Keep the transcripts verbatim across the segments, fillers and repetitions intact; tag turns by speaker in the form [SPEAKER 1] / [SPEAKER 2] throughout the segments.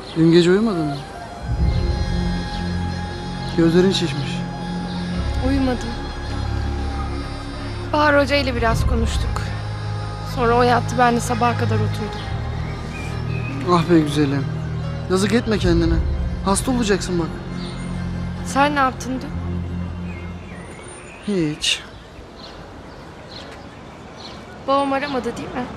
[SPEAKER 1] Dün gece uyumadın mı? Gözlerin şişmiş.
[SPEAKER 2] Uyumadım. Bahar Hoca ile biraz konuştuk. Sonra o yattı, ben de sabaha kadar oturdum.
[SPEAKER 1] Ah be güzelim. Yazık etme kendine. Hasta olacaksın bak.
[SPEAKER 2] Sen ne yaptın dün?
[SPEAKER 1] Hiç.
[SPEAKER 2] Babam aramadı değil mi?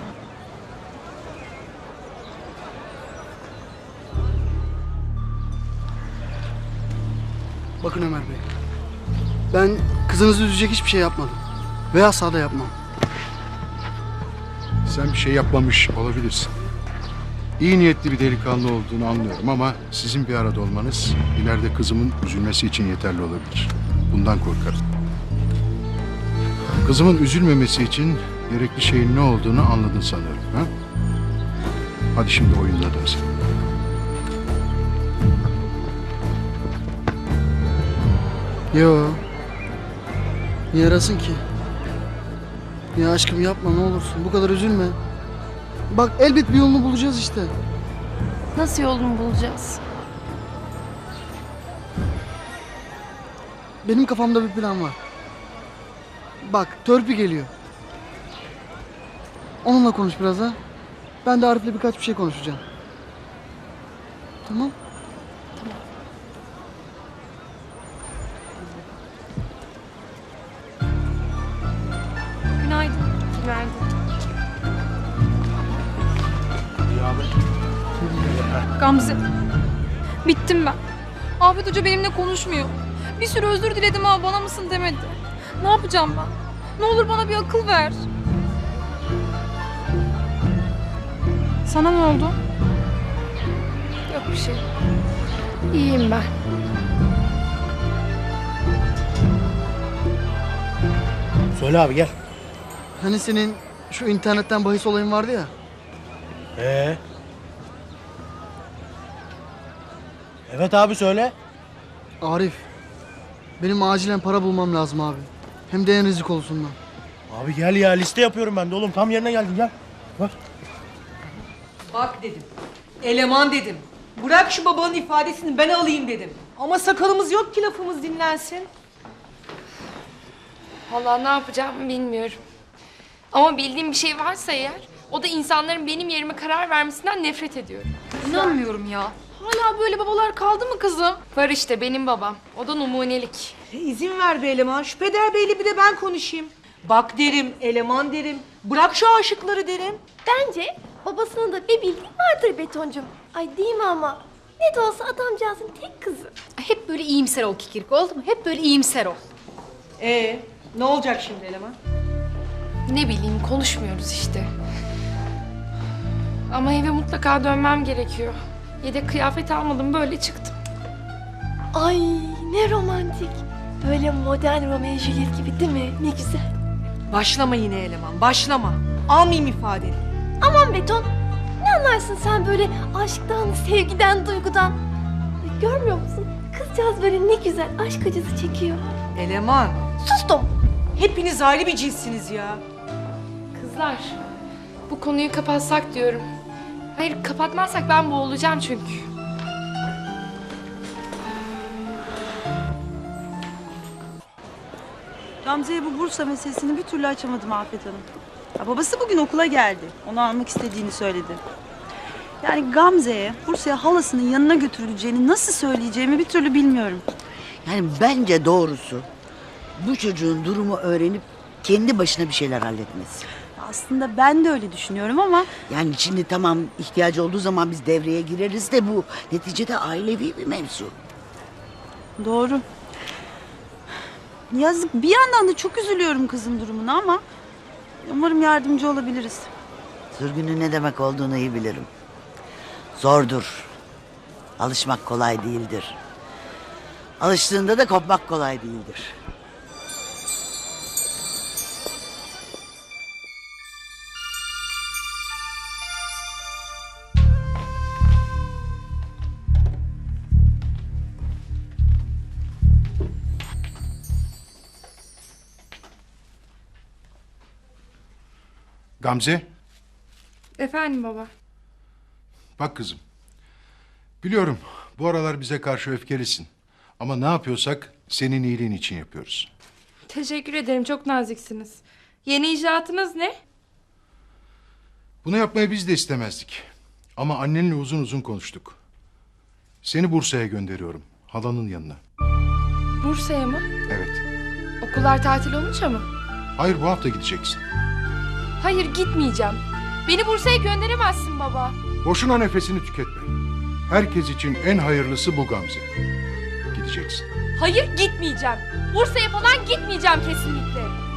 [SPEAKER 1] Bakın Ömer Bey. Ben kızınızı üzecek hiçbir şey yapmadım. Ve asla da yapmam.
[SPEAKER 3] Sen bir şey yapmamış olabilirsin. İyi niyetli bir delikanlı olduğunu anlıyorum ama sizin bir arada olmanız ileride kızımın üzülmesi için yeterli olabilir. Bundan korkarım. Kızımın üzülmemesi için gerekli şeyin ne olduğunu anladın sanıyorum. Ha? Hadi şimdi oyununa dönsün.
[SPEAKER 1] Yo. Niye arasın ki? Ya aşkım yapma ne olursun. Bu kadar üzülme. Bak elbet bir yolunu bulacağız işte.
[SPEAKER 2] Nasıl yolunu bulacağız?
[SPEAKER 1] Benim kafamda bir plan var. Bak törpü geliyor. Onunla konuş biraz ha. Ben de Arif'le birkaç bir şey konuşacağım. Tamam.
[SPEAKER 2] Günaydın. Günaydın.
[SPEAKER 4] Gamze. Bittim ben. Afet Hoca benimle konuşmuyor. Bir sürü özür diledim ama bana mısın demedi. Ne yapacağım ben? Ne olur bana bir akıl ver. Sana ne oldu?
[SPEAKER 2] Yok bir şey. İyiyim ben.
[SPEAKER 5] Söyle abi gel.
[SPEAKER 1] Hani senin şu internetten bahis olayın vardı ya.
[SPEAKER 5] Ee? Evet abi söyle.
[SPEAKER 1] Arif. Benim acilen para bulmam lazım abi. Hem de en rizik olsundan.
[SPEAKER 5] Abi gel ya liste yapıyorum ben de oğlum. Tam yerine geldin gel. Bak.
[SPEAKER 6] Bak dedim. Eleman dedim. Bırak şu babanın ifadesini ben alayım dedim. Ama sakalımız yok ki lafımız dinlensin.
[SPEAKER 2] Vallahi ne yapacağımı bilmiyorum. Ama bildiğim bir şey varsa eğer, o da insanların benim yerime karar vermesinden nefret ediyorum.
[SPEAKER 4] İnanmıyorum ya. Hala böyle babalar kaldı mı kızım?
[SPEAKER 2] Var işte benim babam. O da numunelik.
[SPEAKER 6] E, izin ver be eleman. Şu peder beyle bir de ben konuşayım. Bak derim, eleman derim. Bırak şu aşıkları derim.
[SPEAKER 7] Bence babasının da bir bildiği vardır Betoncum. Ay değil mi ama? Ne de olsa adamcağızın tek kızı.
[SPEAKER 4] Hep böyle iyimser ol Kikirik, oldu mu? Hep böyle iyimser ol.
[SPEAKER 6] Ee, ne olacak şimdi eleman?
[SPEAKER 2] Ne bileyim, konuşmuyoruz işte. Ama eve mutlaka dönmem gerekiyor. Yedek kıyafet almadım, böyle çıktım.
[SPEAKER 7] Ay ne romantik. Böyle modern Romeo Juliet gibi değil mi? Ne güzel.
[SPEAKER 6] Başlama yine eleman, başlama. Almayayım ifadeni.
[SPEAKER 7] Aman Beton. Ne anlarsın sen böyle aşktan, sevgiden, duygudan? Ay, görmüyor musun? Kızcağız böyle ne güzel aşk acısı çekiyor.
[SPEAKER 6] Eleman,
[SPEAKER 7] Sustum.
[SPEAKER 6] hepiniz ayrı bir cinssiniz ya.
[SPEAKER 2] Kızlar, bu konuyu kapatsak diyorum. Hayır, kapatmazsak ben boğulacağım çünkü.
[SPEAKER 8] Gamze'ye bu Bursa meselesini bir türlü açamadım Afet Hanım. Ya babası bugün okula geldi. Onu almak istediğini söyledi. Yani Gamze'ye Bursa'ya halasının yanına götürüleceğini nasıl söyleyeceğimi bir türlü bilmiyorum.
[SPEAKER 9] Yani bence doğrusu bu çocuğun durumu öğrenip kendi başına bir şeyler halletmesi.
[SPEAKER 8] Aslında ben de öyle düşünüyorum ama
[SPEAKER 9] Yani şimdi tamam ihtiyacı olduğu zaman biz devreye gireriz de bu neticede ailevi bir mevzu.
[SPEAKER 8] doğru. Yazık bir yandan da çok üzülüyorum kızın durumuna ama umarım yardımcı olabiliriz.
[SPEAKER 9] Sürgünün ne demek olduğunu iyi bilirim. Zordur. Alışmak kolay değildir. Alıştığında da kopmak kolay değildir.
[SPEAKER 3] Gamze,
[SPEAKER 2] Efendim baba.
[SPEAKER 3] bak kızım. Biliyorum bu aralar bize karşı öfkelisin. Ama ne yapıyorsak senin iyiliğin için yapıyoruz.
[SPEAKER 2] Teşekkür ederim, çok naziksiniz. Yeni icraatınız ne?
[SPEAKER 3] Bunu yapmayı biz de istemezdik. Ama annenle uzun uzun konuştuk. Seni Bursa'ya gönderiyorum. Halanın yanına.
[SPEAKER 2] Bursa'ya mı?
[SPEAKER 3] Evet.
[SPEAKER 2] Okullar tatil olunca mı?
[SPEAKER 3] Hayır, bu hafta gideceksin.
[SPEAKER 2] Hayır, gitmeyeceğim. Beni Bursa'ya gönderemezsin baba.
[SPEAKER 3] Boşuna nefesini tüketme. Herkes için en hayırlısı bu Gamze. Gideceksin.
[SPEAKER 2] Hayır, gitmeyeceğim. Bursa'ya falan gitmeyeceğim kesinlikle.